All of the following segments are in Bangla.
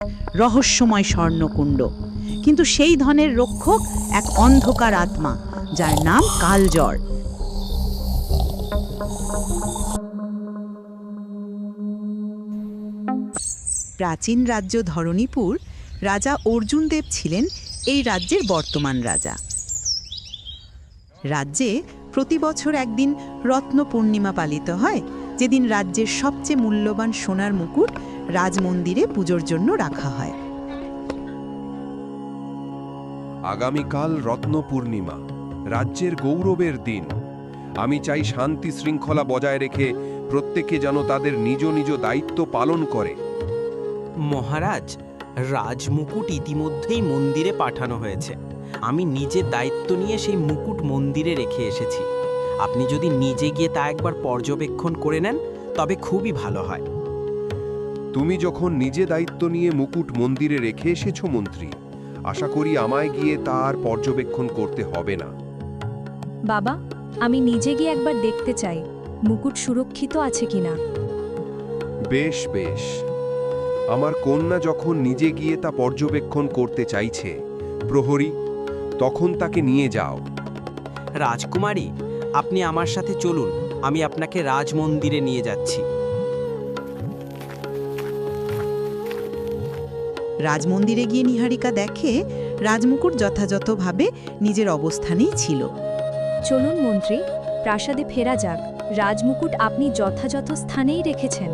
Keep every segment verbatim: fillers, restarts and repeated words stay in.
রহস্যময় স্বর্ণকুণ্ড, কিন্তু সেই ধনের রক্ষক এক অন্ধকার আত্মা, যার নাম কালজ্বর। প্রাচীন রাজ্য ধরণীপুর, রাজা অর্জুন দেব ছিলেন এই রাজ্যের বর্তমান রাজা। রাজ্যে প্রতি বছর একদিন রত্ন পূর্ণিমা পালিত হয়, যেদিন রাজ্যের সবচেয়ে মূল্যবান সোনার মুকুট রাজমন্দিরে পুজোর জন্য রাখা হয়। আগামীকাল রত্ন পূর্ণিমা, রাজ্যের গৌরবের দিন। আমি চাই শান্তি শৃঙ্খলা বজায় রেখে প্রত্যেকে যেন তাদের নিজ নিজ দায়িত্ব পালন করে। মহারাজ, রাজমুকুট ইতিমধ্যেই মন্দিরে পাঠানো হয়েছে। আমি নিজের দায়িত্ব নিয়ে সেই মুকুট মন্দিরে রেখে এসেছি। আপনি যদি নিজে গিয়ে তা একবার পর্যবেক্ষণ করে নেন তবে খুবই ভালো হয়। তুমি যখন নিজে দায়িত্ব নিয়ে মুকুট মন্দিরে রেখে এসেছো মন্ত্রী, আশা করি আমায় গিয়ে তার পর্যবেক্ষণ করতে হবে না। বাবা, আমি নিজে গিয়ে একবার দেখতে চাই মুকুট সুরক্ষিত আছে কিনা। বেশ বেশ, আমার কন্যা যখন নিজে গিয়ে তা পর্যবেক্ষণ করতে চাইছে প্রহরী, তখন তাকে নিয়ে যাও। রাজকুমারী, আপনি আমার সাথে চলুন, আমি আপনাকে রাজমন্দিরে নিয়ে যাচ্ছি। রাজমন্দিরে গিয়ে নিহারিকা দেখে রাজমুকুট যথাযথভাবে নিজের অবস্থানেই ছিল। চলুন মন্ত্রী, প্রাসাদে ফেরা যাক। রাজমুকুট আপনি যথাযথ স্থানেই রেখেছেন।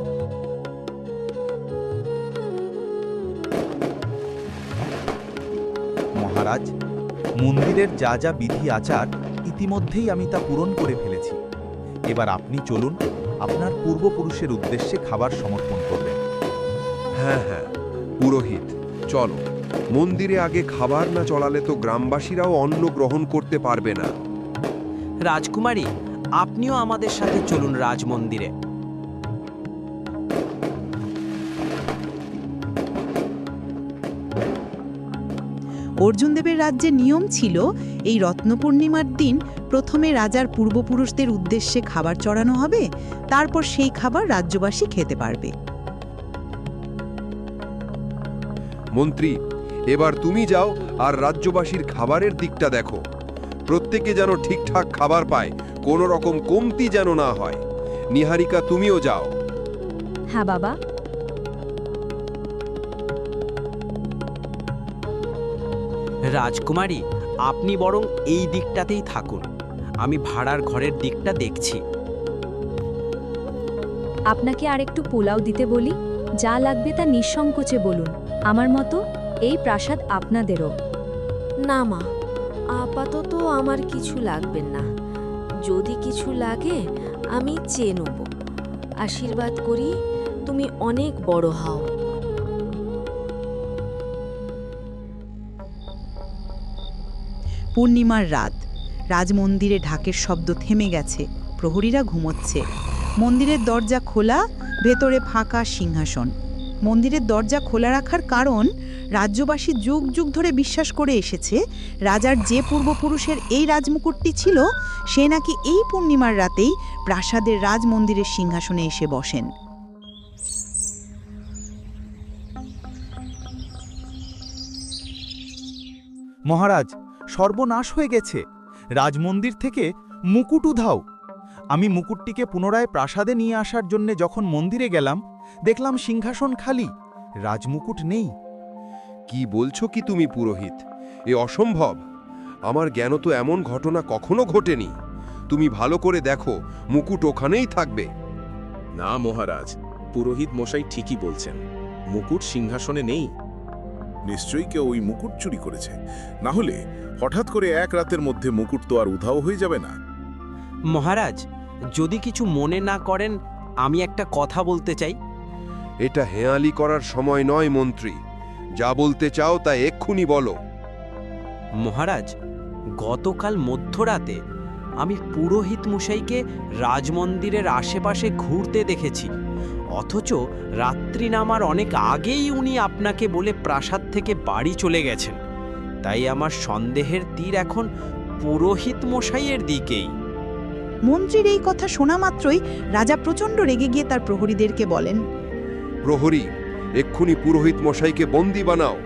মহারাজ, মন্দিরের যা যা বিধি আচার ইতিমধ্যেই আমি তা পূরণ করে ফেলেছি। এবার আপনি চলুন, আপনার পূর্বপুরুষের উদ্দেশ্যে খাবার সমর্পণ করবেন। হ্যাঁ হ্যাঁ পুরোহিত, চলো। মন্দিরে আগে খাবার না চড়ালে তো গ্রামবাসীরাও অন্ন গ্রহণ করতে পারবে না। রাজকুমারী, আপনিও আমাদের সাথে চলুন রাজমন্দিরে। অর্জুন দেবের রাজ্যে নিয়ম ছিল এই রত্ন পূর্ণিমার দিন প্রথমে রাজার পূর্বপুরুষদের উদ্দেশ্যে খাবার চড়ানো হবে, তারপর সেই খাবার রাজ্যবাসী খেতে পারবে। মন্ত্রী, এবার তুমি যাও আর রাজ্যবাসীর খাবারের দিকটা দেখো। প্রত্যেকে যেন ঠিকঠাক খাবার পায়, কোনো রকম কমতি যেন না হয়। নিহারিকা, তুমিও যাও। হ্যাঁ বাবা। রাজকুমারী, আপনি বরং এই দিকটাতেই থাকুন, আমি ভাড়ার ঘরের দিকটা দেখছি। আপনাকে আরেকটু পোলাও দিতে বলি? যা লাগবে তা নিঃসংকোচে বলুন। আমার মতো এই প্রাসাদ আপনাদেরও। না মা, আপাতত আমার কিছু লাগবে না। যদি কিছু লাগে আমি চেয়ে নেব। আশীর্বাদ করি তুমি অনেক বড় হও। পূর্ণিমার রাত, রাজমন্দিরে ঢাকের শব্দ থেমে গেছে, প্রহরীরা ঘুমোচ্ছে। মন্দিরের দরজা খোলা, ভেতরে ফাঁকা সিংহাসন। মন্দিরের দরজা খোলা রাখার কারণ, রাজ্যবাসী যুগ যুগ ধরে বিশ্বাস করে এসেছে রাজার যে পূর্বপুরুষের এই রাজমুকুটটি ছিল, সে নাকি এই পূর্ণিমার রাতেই প্রাসাদের রাজমন্দিরের সিংহাসনে এসে বসেন। মহারাজ, সর্বনাশ হয়ে গেছে। রাজমন্দির থেকে মুকুট উধাও। আমি মুকুটটিকে পুনরায় প্রাসাদে নিয়ে আসার জন্য যখন মন্দিরে গেলাম, দেখলাম সিংহাসন খালি, রাজমুকুট নেই। কি বলছো কি তুমি পুরোহিত? এ অসম্ভব। আমার জ্ঞান তো এমন ঘটনা কখনো ঘটেনি। তুমি ভালো করে দেখো, মুকুট ওখানেই থাকবে। না মহারাজ, পুরোহিত মশাই ঠিকই বলছেন, মুকুট সিংহাসনে নেই। নিশ্চয়ই কেউ ওই মুকুট চুরি করেছে, না হলে হঠাৎ করে এক রাতের মধ্যে মুকুট তো আর উধাও হয়ে যাবে না। মহারাজ, যদি কিছু মনে না করেন, আমি একটা কথা বলতে চাই। এটা হেঁয়ালি করার সময় নয় মন্ত্রী, যা বলতে চাও তা এক্ষুনি বলো। মহারাজ, গতকাল মধ্যরাতে আমি পুরোহিত মশাইকে রাজমন্দিরের আশেপাশে ঘুরতে দেখেছি, অথচ রাত্রি নামার অনেক আগেই উনি আপনাকে বলে প্রাসাদ থেকে বাড়ি চলে গেছেন। তাই আমার সন্দেহের তীর এখন পুরোহিত মশাইয়ের দিকেই। মন্ত্রীর এই কথা শোনা মাত্রই রাজা প্রচণ্ড রেগে গিয়ে তার প্রহরীদেরকে বলেন, প্রহরী, এক্ষুনি পুরোহিত মশাইকে বন্দি বানাও।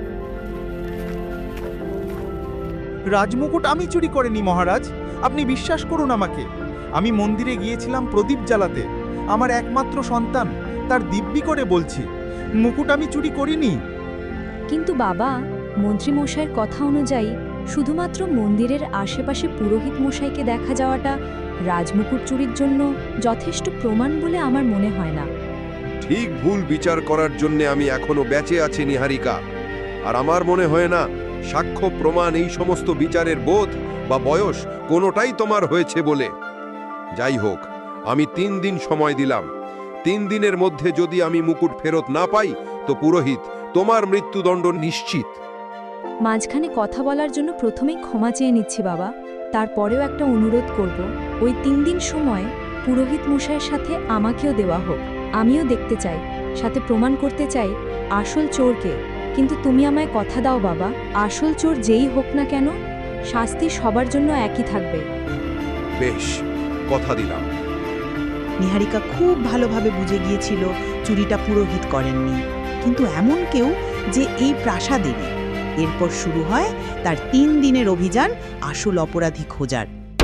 রাজমুকুট আমি চুরি করিনি মহারাজ, আপনি বিশ্বাস করুন আমাকে। আমি মন্দিরে গিয়েছিলাম প্রদীপ জ্বালাতে, আমার একমাত্র সন্তান, তার দিব্যি করে বলছি মুকুট আমি চুরি করিনি। কিন্তু বাবা, মন্ত্রী মশাইয়ের কথা অনুযায়ী শুধুমাত্র মন্দিরের আশেপাশে পুরোহিত মশাইকে দেখা যাওয়াটা রাজমুকুট চুরির জন্য যথেষ্ট প্রমাণ বলে আমার মনে হয় না। ঠিক ভুল বিচার করার জন্য আমি এখনো বেঁচে আছি নিহারিকা, আর আমার মনে হয় না সাক্ষ্য প্রমাণ এই সমস্ত বিচারের বোধ বা বয়স কোনোটাই তোমার হয়েছে বলে। যাই হোক, আমি তিন দিন সময় দিলাম। তিন দিনের মধ্যে যদি আমি মুকুট ফেরত না পাই তো পুরোহিত তোমার মৃত্যুদণ্ড নিশ্চিত। মাঝখানে কথা বলার জন্য প্রথমেই ক্ষমা চেয়ে নিচ্ছি বাবা, তারপরেও একটা অনুরোধ করব, ওই তিন দিন সময় পুরোহিত মশাইয়ের সাথে আমাকেও দেওয়া হোক। আমিও দেখতে চাই, সাথে প্রমাণ করতে চাই আসল চোরকে। কিন্তু তুমি আমায় কথা দাও বাবা, আসল চোর যেই হোক না কেন, শাস্তি সবার জন্য একই থাকবে। বেশ, কথা দিলাম। নিহারিকা খুব ভালোভাবে বুঝে গিয়েছিল চুরিটা পুরোহিত করেননি, কিন্তু এমন কেউ যে এই প্রাসাদেরই। এরপর শুরু হয় তার তিন দিনের অভিযান আসল অপরাধী খোঁজার।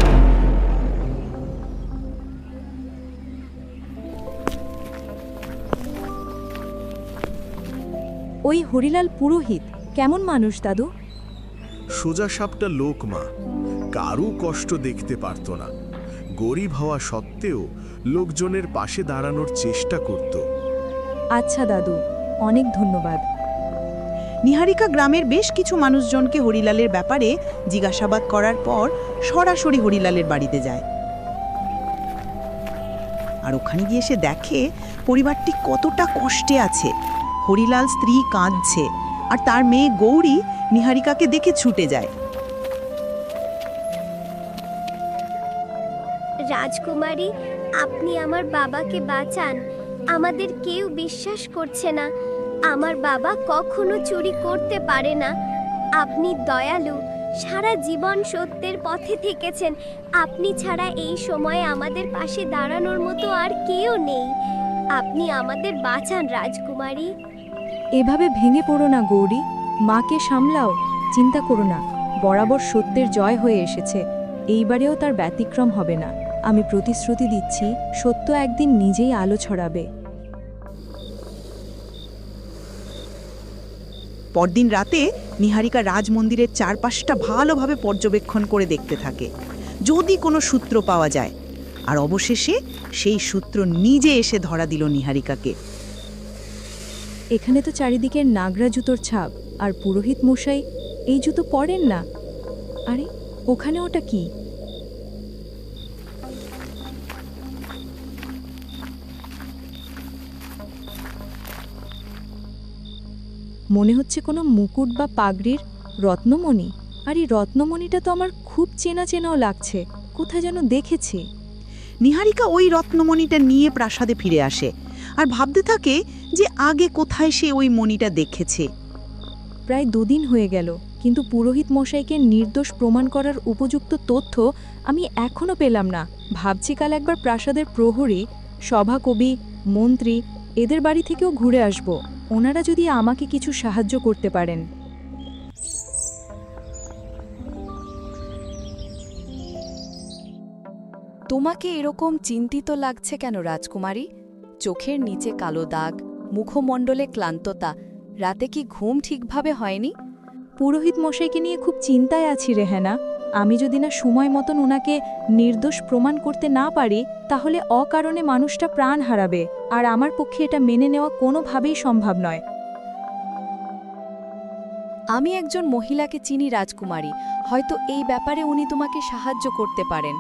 ওই হরিলাল পুরোহিত কেমন মানুষ দাদু? সোজা সাপটা লোক মা, কারু কষ্ট দেখতে পারত না। গরিব হওয়া সত্ত্বেও লোকজনের পাশে দাঁড়ানোর চেষ্টা করত। আচ্ছা দাদু, অনেক ধন্যবাদ। নিহারিকা গ্রামের বেশ কিছু মানুষজনকে হরিলালের ব্যাপারে জিজ্ঞাসাবাদ করার পর সরাসরি হরিলালের বাড়িতে যায়। আর ওখানে গিয়ে সে দেখে পরিবারটি কতটা কষ্টে আছে। হরিলাল স্ত্রী কাঁদছে, আর তার মেয়ে গৌরী নিহারিকাকে দেখে ছুটে যায়। রাজকুমারী, আপনি আমার বাবাকে বাঁচান। আমাদের কেউ বিশ্বাস করছে না। আমার বাবা কখনো চুরি করতে পারে না। আপনি দয়ালু, সারা জীবন সত্যের পথে থেকেছেন। আপনি ছাড়া এই সময়ে আমাদের পাশে দাঁড়ানোর মতো আর কেউ নেই। আপনি আমাদের বাঁচান রাজকুমারী। এভাবে ভেঙে পড়ো না গৌরী, মাকে সামলাও, চিন্তা করো না। বরাবর সত্যের জয় হয়ে এসেছে, এইবারেও তার ব্যতিক্রম হবে না। আমি প্রতিশ্রুতি দিচ্ছি, সত্য একদিন নিজেই আলো ছড়াবে। পরদিন রাতে নিহারিকা রাজমন্দিরের চারপাশটা ভালোভাবে পর্যবেক্ষণ করে দেখতে থাকে, যদি কোনো সূত্র পাওয়া যায়। আর অবশেষে সেই সূত্র নিজে এসে ধরা দিল নিহারিকাকে। এখানে তো চারিদিকের নাগরা জুতোর ছাপ, আর পুরোহিত মশাই এই জুতো পরেন না। আরে ওখানে ওটা কি? মনে হচ্ছে কোনো মুকুট বা পাগড়ির রত্নমণি। আর এই রত্নমণিটা তো আমার খুব চেনা চেনাও লাগছে, কোথায় যেন দেখেছি। নিহারিকা ওই রত্নমণিটা নিয়ে প্রাসাদে ফিরে আসে আর ভাবতে থাকে যে আগে কোথায় সে ওই মণিটা দেখেছে। প্রায় দুদিন হয়ে গেল, কিন্তু পুরোহিত মশাইকে নির্দোষ প্রমাণ করার উপযুক্ত তথ্য আমি এখনও পেলাম না। ভাবছি কাল একবার প্রাসাদের প্রহরী, সভাকবি, মন্ত্রী এদের বাড়ি থেকেও ঘুরে আসব। ওনারা যদি আমাকে কিছু সাহায্য করতে পারেন। তোমাকে এরকম চিন্তিত লাগছে কেন রাজকুমারী? চোখের নিচে কালো দাগ, মুখমণ্ডলে ক্লান্ততা, রাতে কি ঘুম ঠিকভাবে হয়নি? পুরোহিত মশাইকে নিয়ে খুব চিন্তায় আছি রেহানা। আমি যদি না সময় মতন ওনাকে নির্দোষ প্রমাণ করতে না পারি, তাহলে অকারণে মানুষটা প্রাণ হারাবে, আর আমার পক্ষে এটা মেনে নেওয়া কোনোভাবেই সম্ভব নয়। আমি একজন মহিলাকে চিনি রাজকুমারী, হয়তো এই ব্যাপারে উনি তোমাকে সাহায্য করতে পারেন।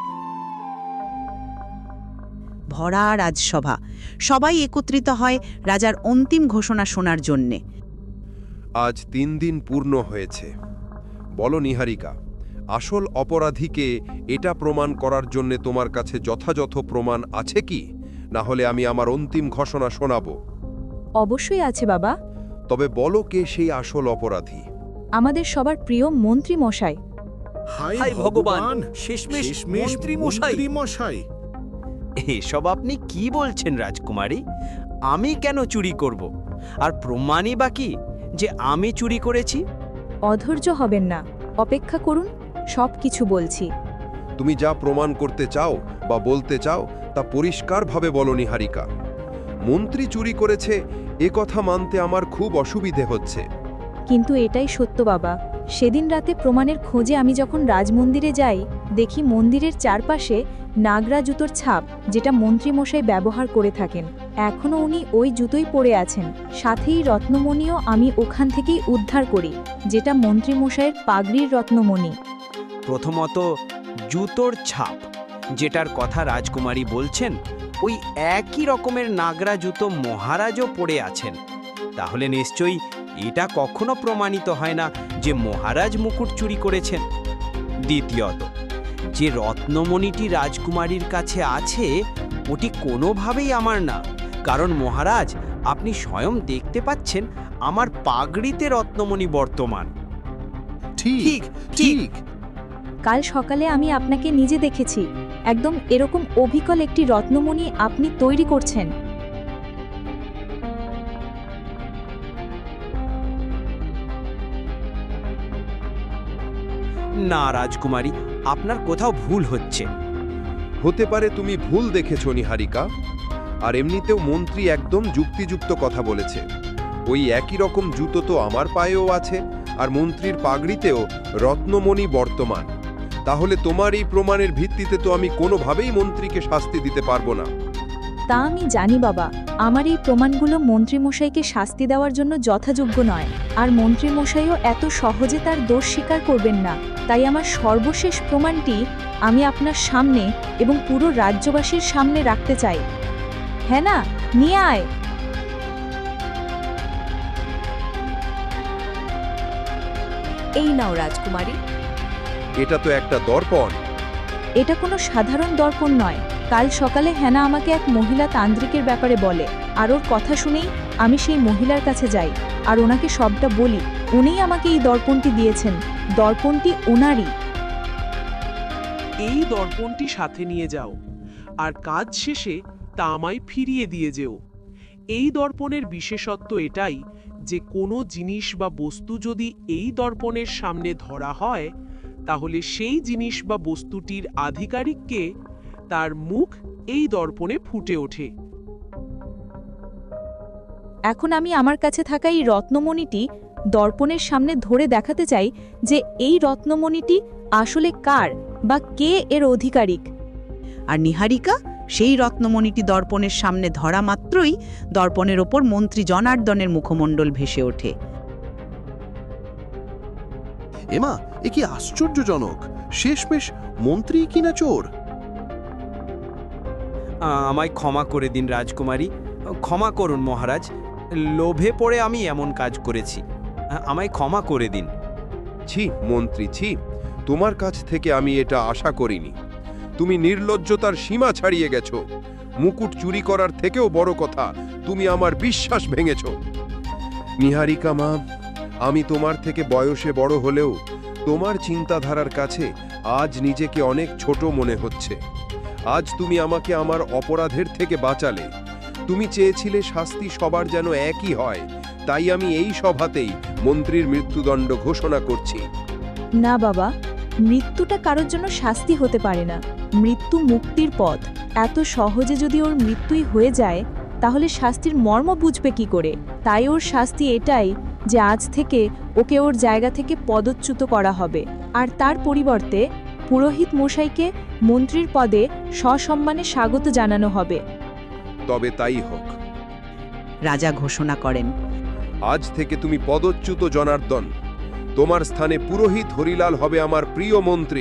ভরা রাজসভা, সবাই একত্রিত হয় রাজার অন্তিম ঘোষণা শোনার জন্যে। আজ তিন দিন পূর্ণ হয়েছে। বলো নিহারিকা, আসল অপরাধীকে এটা প্রমাণ করার জন্য তোমার কাছে যথাযথ প্রমাণ আছে কি? না হলে আমি আমার অন্তিম ঘোষণা শোনাবো। অবশ্যই আছে বাবা। তবে বলো কে সেই আসল অপরাধী? আমাদের সবার প্রিয় মন্ত্রী মশাই। হায় ভগবান, শেষমেশ শেষমেশ মন্ত্রী মশাই। মন্ত্রী মশাই। এসব আপনি কি বলছেন রাজকুমারী? আমি কেন চুরি করব? আর প্রমাণই বাকি যে আমি চুরি করেছি। অধৈর্য হবেন না, অপেক্ষা করুন, সব কিছু বলছি। তুমি যা প্রমাণ করতে চাও বা বলতে চাও তা পরিষ্কারভাবে বলো নিহারিকা। মন্ত্রী চুরি করেছে এ কথা মানতে আমার খুব অসুবিধে হচ্ছে। কিন্তু এটাই সত্য বাবা। সেদিন রাতে প্রমাণের খোঁজে আমি যখন রাজমন্দিরে যাই, দেখি মন্দিরের চারপাশে নাগরা জুতোর ছাপ, যেটা মন্ত্রীমশাই ব্যবহার করে থাকেন। এখনও উনি ওই জুতোই পরে আছেন। সাথেই রত্নমণিও আমি ওখান থেকেই উদ্ধার করি, যেটা মন্ত্রীমশাইয়ের পাগড়ির রত্নমণি। প্রথমত জুতোর ছাপ যেটার কথা রাজকুমারী বলছেন, ওই একই রকমের নাগরা জুতো মহারাজও পরে আছেন। তাহলে নিশ্চয়ই এটা কখনো প্রমাণিত হয় না যে মহারাজ মুকুট চুরি করেছেন। দ্বিতীয়ত, যে রত্নমণিটি রাজকুমারীর কাছে আছে ওটি কোনোভাবেই আমার না, কারণ মহারাজ আপনি স্বয়ং দেখতে পাচ্ছেন আমার পাগড়িতে রত্নমণি বর্তমান। ঠিক ঠিক কাল সকালে আমি আপনাকে নিজে দেখেছি, একদম এরকম অবিকল একটি রত্নমণি আপনি তৈরি করছেন। না রাজকুমারী, আপনার কোথাও ভুল হচ্ছে। হতে পারে তুমি ভুল দেখেছো নিহারিকা। আর এমনিতেও মন্ত্রী একদম যুক্তিযুক্ত কথা বলেছে। ওই একই রকম জুতো তো আমার পায়েও আছে, আর মন্ত্রীর পাগড়িতেও রত্নমণি বর্তমান। তাহলে তোমার এই প্রমাণের ভিত্তিতে তো আমি কোনোভাবেই মন্ত্রীকে শাস্তি দিতে পারবো না। তা আমি জানি বাবা, আমার এই প্রমাণগুলো মন্ত্রীমশাইকে শাস্তি দেওয়ার জন্য যথাযোগ্য নয়, আর মন্ত্রীমশাইও এত সহজে তার দোষ স্বীকার করবেন না। তাই আমার সর্বশেষ প্রমাণটি আমি আপনার সামনে এবং পুরো রাজ্যবাসীর সামনে রাখতে চাই। হ্যাঁ না, নিয়ে আয়। এই নাও রাজকুমারী। এটা তো একটা দর্পণ। এটা কোনো সাধারণ দর্পণ নয়। কাল সকালে হেনা আমাকে এক মহিলা তান্ত্রিকের ব্যাপারে বলে, আর ওর কথা শুনেই আমি সেই মহিলার কাছে যাই আর ওনাকে সবটা বলি। উনিই আমাকে এই দর্পণটি দিয়েছেন। দর্পণটি ওনারই। এই দর্পণটি সাথে নিয়ে যাও, আর কাজ শেষে তা আমায় ফিরিয়ে দিয়ে যেও। এই দর্পণের বিশেষত্ব এটাই যে কোনো জিনিস বা বস্তু যদি এই দর্পণের সামনে ধরা হয়, তাহলে সেই জিনিস বা বস্তুটির আধিকারিককে তার মুখ এই দর্পণে ফুটে ওঠে। এখন আমি আমার কাছে থাকা এই রত্নমণিটি দর্পণের সামনে ধরে দেখাতে চাই যে এই রত্নমণিটি আসলে কার বা কে এর অধিকারিক। আর নিহারিকা সেই রত্নমণিটি দর্পণের সামনে ধরা মাত্রই দর্পণের ওপর মন্ত্রী জনার্দনের মুখমণ্ডল ভেসে ওঠে। এমা, এ কি আশ্চর্যজনক! শেষমেশ মন্ত্রী কিনা চোর! আমায় ক্ষমা করে দিন রাজকুমারী, ক্ষমা করুন মহারাজ। লোভে পড়ে আমি এমন কাজ করেছি, আমায় ক্ষমা করে দিন। ছি মন্ত্রী, ছি! তোমার কাছ থেকে আমি এটা আশা করিনি। তুমি নির্লজ্জতার সীমা ছাড়িয়ে গেছো। মুকুট চুরি করার থেকেও বড় কথা, তুমি আমার বিশ্বাস ভেঙেছ। নিহারিকা মা, আমি তোমার থেকে বয়সে বড় হলেও তোমার চিন্তাধারার কাছে আজ নিজেকে অনেক ছোট মনে হচ্ছে। আজ তুমি আমাকে আমার অপরাধের থেকে বাঁচালে। তুমি চেয়েছিলে শাস্তি সবার যেন একই হয়, তাই আমি এই সভাতেই মন্ত্রীর মৃত্যুদণ্ড ঘোষণা করছি। না বাবা, মৃত্যুটা কারোর জন্য শাস্তি হতে পারে না। মৃত্যু মুক্তির পথ। এত সহজে যদি ওর মৃত্যুই হয়ে যায়, তাহলে শাস্তির মর্ম বুঝবে কি করে? তাই ওর শাস্তি এটাই যে আজ থেকে ওকে ওর জায়গা থেকে পদচ্যুত করা হবে, আর তার পরিবর্তে পুরোহিত মশাইকে মন্ত্রীর পদে সসম্মানে স্বাগত জানানো হবে। তবে তাই হোক। রাজা ঘোষণা করেন, আজ থেকে তুমি পদচ্যুত জনার্দন। তোমার স্থানে পুরোহিত হরিলাল হবে আমার প্রিয় মন্ত্রী।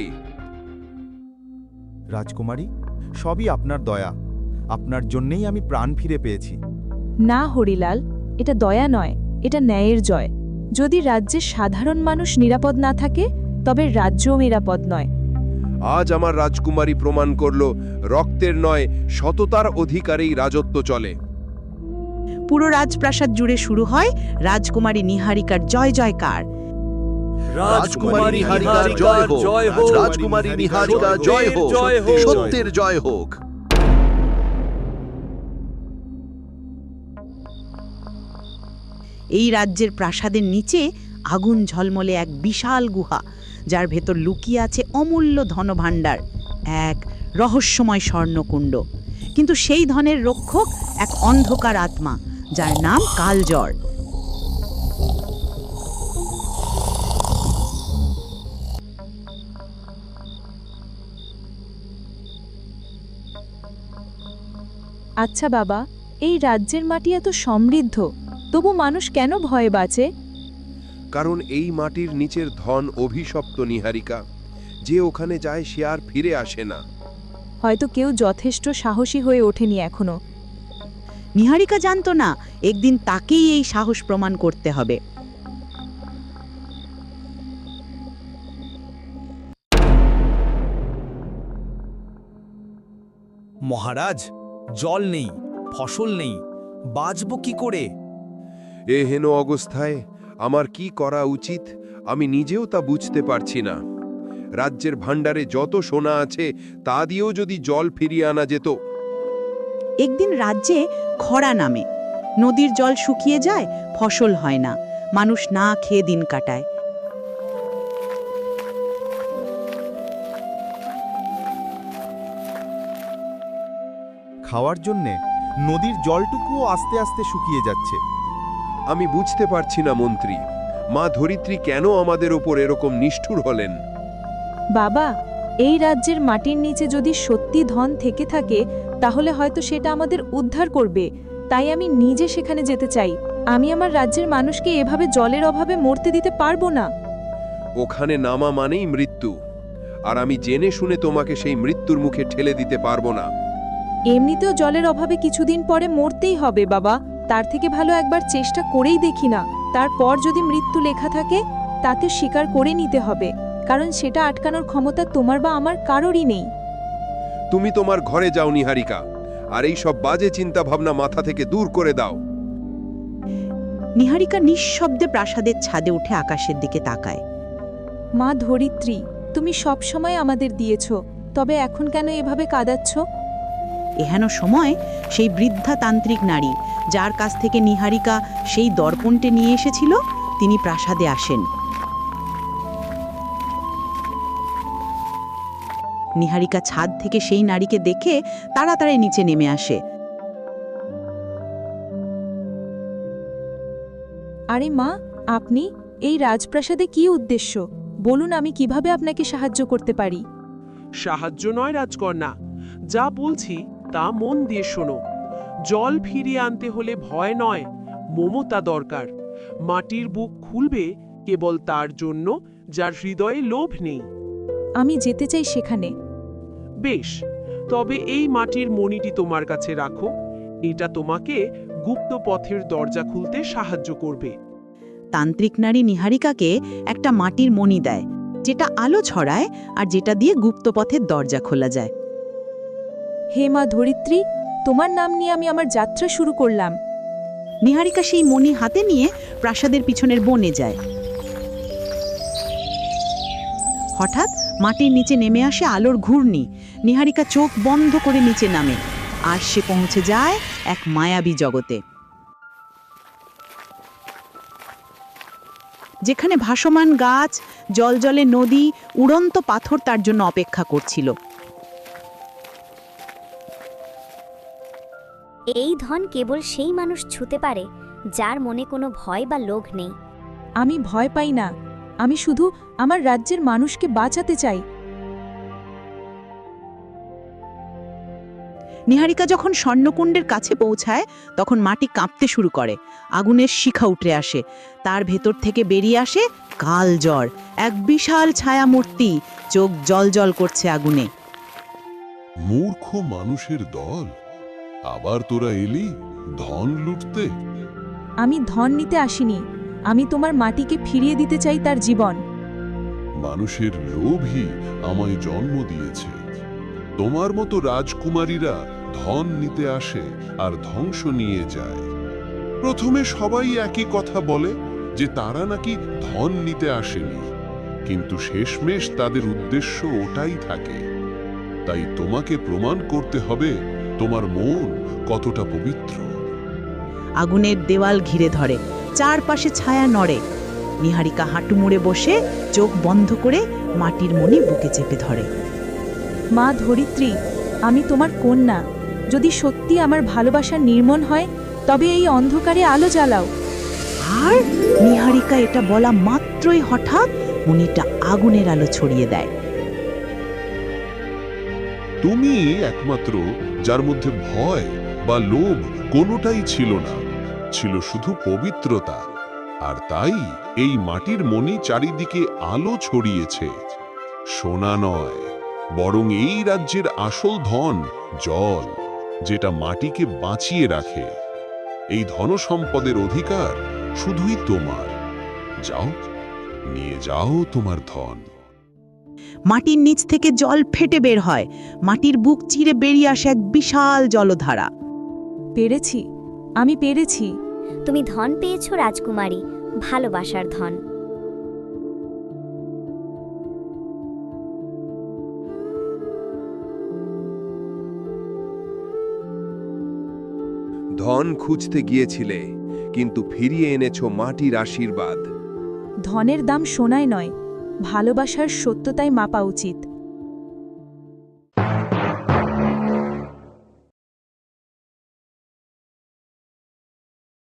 রাজকুমারী, সবই আপনার দয়া। আপনার জন্যেই আমি প্রাণ ফিরে পেয়েছি। না হরিলাল, এটা দয়া নয়, এটা ন্যায়ের জয়। যদি রাজ্যে সাধারণ মানুষ নিরাপদ না থাকে, তবে রাজ্যও নিরাপদ নয়। আজ আমার রাজকুমারী প্রমাণ করল, রক্তের নয় সততার অধিকারেই রাজত্ব চলে। পুরো রাজপ্রাসাদ জুড়ে শুরু হয় রাজকুমারী নিহারিকার জয় জয়কার। রাজকুমারী নিহারিকার জয় হোক! রাজকুমারী নিহারিকা জয় হোক! সত্যের জয় হোক! এই রাজ্যের প্রাসাদের নিচে আগুন ঝলমলে এক বিশাল গুহা, যার ভেতর লুকিয়ে আছে অমূল্য ধনভাণ্ডার, এক রহস্যময় স্বর্ণকুণ্ড। কিন্তু সেই ধনের রক্ষক এক অন্ধকার আত্মা, যার নাম কালজ্বর। আচ্ছা বাবা, এই রাজ্যের মাটি এত সমৃদ্ধ, তবু মানুষ কেন ভয়ে বাঁচে? কারণ এই মাটির নিচের ধন অভিশপ্ত নিহারিকা, যে ওখানে যায় সে আর ফিরে আসে না। হয়তো কেউ যথেষ্ট সাহসী হয়ে ওঠেনি এখনো। নিহারিকা জানতো না একদিন তাকেই এই সাহস প্রমাণ করতে হবে। মহারাজ, জল নেই, ফসল নেই, বাঁচব কি করে? এ হেন অবস্থায় আমার কি করা উচিত আমি নিজেও তা বুঝতে পারছি না। রাজ্যের ভাণ্ডারে যত সোনা আছে তা দিয়েও যদি জল ফিরিয়ে আনা যেত। একদিন রাজ্যে খরা নামে, নদীর জল শুকিয়ে যায়, ফসল হয় না, মানুষ না খেয়ে দিন কাটায়। খাওয়ার জন্যে নদীর জলটুকুও আস্তে আস্তে শুকিয়ে যাচ্ছে। আমি বুঝতে পারছি না মন্ত্রী, মা ধরিত্রী কেন আমাদের ওপর এরকম নিষ্ঠুর হলেন। বাবা, এই রাজ্যের মাটির নিচে যদি সত্যি ধন থেকে থাকে, তাহলে হয়তো সেটা আমাদের উদ্ধার করবে। তাই আমি নিজে সেখানে যেতে চাই। আমি আমার রাজ্যের মানুষকে এভাবে জলের অভাবে মরতে দিতে পারবো না। ওখানে নামা মানেই মৃত্যু, আর আমি জেনে শুনে তোমাকে সেই মৃত্যুর মুখে ঠেলে দিতে পারবো না। এমনিতেও জলের অভাবে কিছুদিন পরে মরতেই হবে বাবা, তার থেকে ভালো একবার চেষ্টা করেই দেখি না। তারপর যদি মৃত্যু লেখা থাকে, তাতে স্বীকার করে নিতে হবে, কারণ সেটা আটকানোর ক্ষমতা তোমার বা আমার কারোরই নেই। তুমি তোমার ঘরে যাও নিহারিকা, আর এই সব বাজে চিন্তা ভাবনা মাথা থেকে দূর করে দাও। নিহারিকা নিঃশব্দে প্রাসাদের ছাদে উঠে আকাশের দিকে তাকায়। মা ধরিত্রী, তুমি সব সময় আমাদের দিয়েছ, তবে এখন কেন এভাবে কাঁদাচ্ছ? এহেন সময় সেই বৃদ্ধা তান্ত্রিক নারী, যার কাছ থেকে নিহারিকা সেই দর্পণটি নিয়ে এসেছিল, তিনি প্রাসাদে আসেন। নিহারিকা ছাদ থেকে সেই নারীকে দেখে তাড়াতাড়ি নিচে নেমে আসে। আরে মা, আপনি এই রাজপ্রাসাদে কি উদ্দেশ্য? বলুন, আমি কিভাবে আপনাকে সাহায্য করতে পারি? সাহায্য নয় রাজকন্যা, যা বলছি তা মন দিয়ে শোনো। জল ফিরিয়ে আনতে হলে ভয় নয়, মমতা দরকার। মাটির বুক খুলবে কেবল তার জন্য যার হৃদয়ে লোভ নেই। আমি যেতে চাই সেখানে। বেশ, তবে এই মাটির মণিটি তোমার কাছে রাখো। এটা তোমাকে গুপ্ত পথের দরজা খুলতে সাহায্য করবে। তান্ত্রিক নারী নিহারিকাকে একটা মাটির মণি দেয়, যেটা আলো ছড়ায় আর যেটা দিয়ে গুপ্ত পথের দরজা খোলা যায়। হে মা ধরিত্রী, তোমার নাম নিয়ে আমি আমার যাত্রা শুরু করলাম। নিহারিকা সেই মণি হাতে নিয়ে প্রাসাদের পিছনের বনে যায়। হঠাৎ মাটির নিচে নেমে আসে আলোর ঘূর্ণি। নিহারিকা চোখ বন্ধ করে নিচে নামে, আর সে পৌঁছে যায় এক মায়াবী জগতে, যেখানে ভাসমান গাছ, জলজলে নদী, উড়ন্ত পাথর তার জন্য অপেক্ষা করছিল। এই ধন কেবল সেই মানুষ ছুঁতে পারে যার মনে কোনো ভয় বা লোভ নেই। আমি ভয় পাই না, আমি শুধু আমার রাজ্যের মানুষকে বাঁচাতে চাই। নিহারিকা যখন স্বর্ণকুণ্ডের কাছে পৌঁছায়, তখন মাটি কাঁপতে শুরু করে, আগুনের শিখা উঠে আসে। তার ভেতর থেকে বেরিয়ে আসে কালজ্বর, এক বিশাল ছায়ামূর্তি, চোখ জ্বলজ্বল করছে আগুনে। মূর্খ মানুষের দল, আবার তোরা এলি ধন লুটতে? আমি ধন নিতে আসিনি, আমি তোমার মাটিকে ফিরিয়ে দিতে চাই তার জীবন। মানুষের লোভই আমায় জন্ম দিয়েছে। তোমার মতো রাজকুমারীরা ধন নিতে আসে আর ধ্বংস নিয়ে যায়। প্রথমে সবাই একই কথা বলে যে তারা নাকি ধন নিতে আসেনি, কিন্তু শেষমেশ তাদের উদ্দেশ্য ওটাই থাকে। তাই তোমাকে প্রমাণ করতে হবে তোমার মন কতটা পবিত্র। আগুনের দেওয়াল ঘিরে ধরে, চারপাশে ছায়া নড়ে। নিহারিকা হাঁটু মুড়ে বসে চোখ বন্ধ করে মাটির মণি বুকে চেপে ধরে। মা ধরিত্রী, আমি তোমার কন্যা। যদি সত্যি আমার ভালোবাসা নির্মল হয় তবে এই অন্ধকারে আলো জ্বালাও। আর নিহারিকা এটা বলা মাত্রই হঠাৎ মণিটা আগুনের আলো ছড়িয়ে দেয়। তুমি একমাত্র যার মধ্যে ভয় বা লোভ কোনোটাই ছিল না, ছিল শুধু পবিত্রতা। আর তাই এই মাটির মণি চারিদিকে আলো ছড়িয়েছে। সোনা নয়, বরং এই রাজ্যের আসল ধন জল, যেটা মাটিকে বাঁচিয়ে রাখে। এই ধনসম্পদের অধিকার শুধুই তোমার। যাও, নিয়ে যাও তোমার ধন। মাটির নিচ থেকে জল ফেটে বের হয়, মাটির বুক চিরে বেরিয়ে আসে এক বিশাল জলধারা। পেরেছি, আমি পেরেছি। তুমি ধন পেয়েছো রাজকুমারী, ভালোবাসার ধন। ধন খুঁজতে গিয়েছিলে, কিন্তু ফিরিয়ে এনেছো মাটির আশীর্বাদ। ধনের দাম সোনায় নয়, ভালোবাসার সত্যতাই মাপা উচিত।